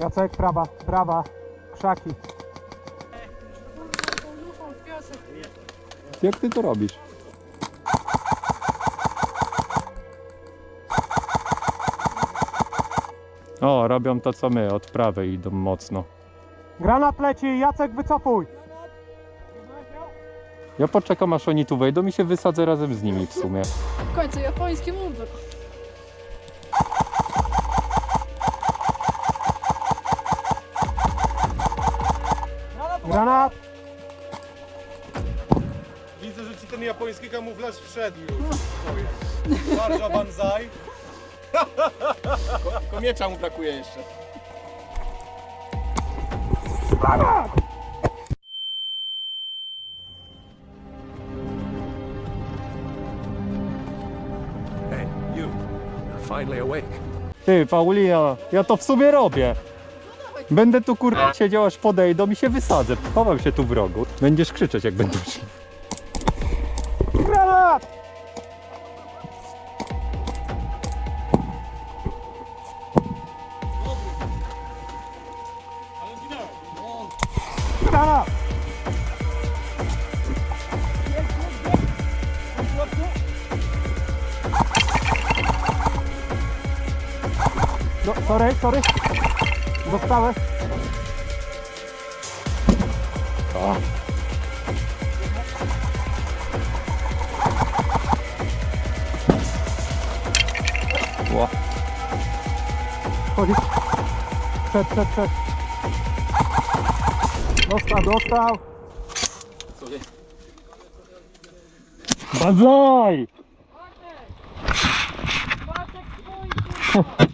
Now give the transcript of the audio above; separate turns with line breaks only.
Jacek, prawa, prawa, krzaki.
Jak ty to robisz? O, robią to co my, od prawej idą mocno.
Granat leci, Jacek wycofuj.
Ja poczekam aż oni tu wejdą i się wysadzę razem z nimi w sumie.
W końcu japoński mundur.
Granat.
Widzę, że ci ten japoński kamuflaż wszedł już. Barża banzai. Komiecza mu brakuje jeszcze.
Hey, you. You're finally awake.
Ty, Paulina, ja to w sumie robię. Będę tu kurwa siedział aż podejdą i się wysadzę. Chowam się tu w rogu. Będziesz krzyczeć jak będą szli.
Granat. Granat. No, sorry. Dostałem.
Ło.
Chodzisz. Przed. Dostał.
Banzai!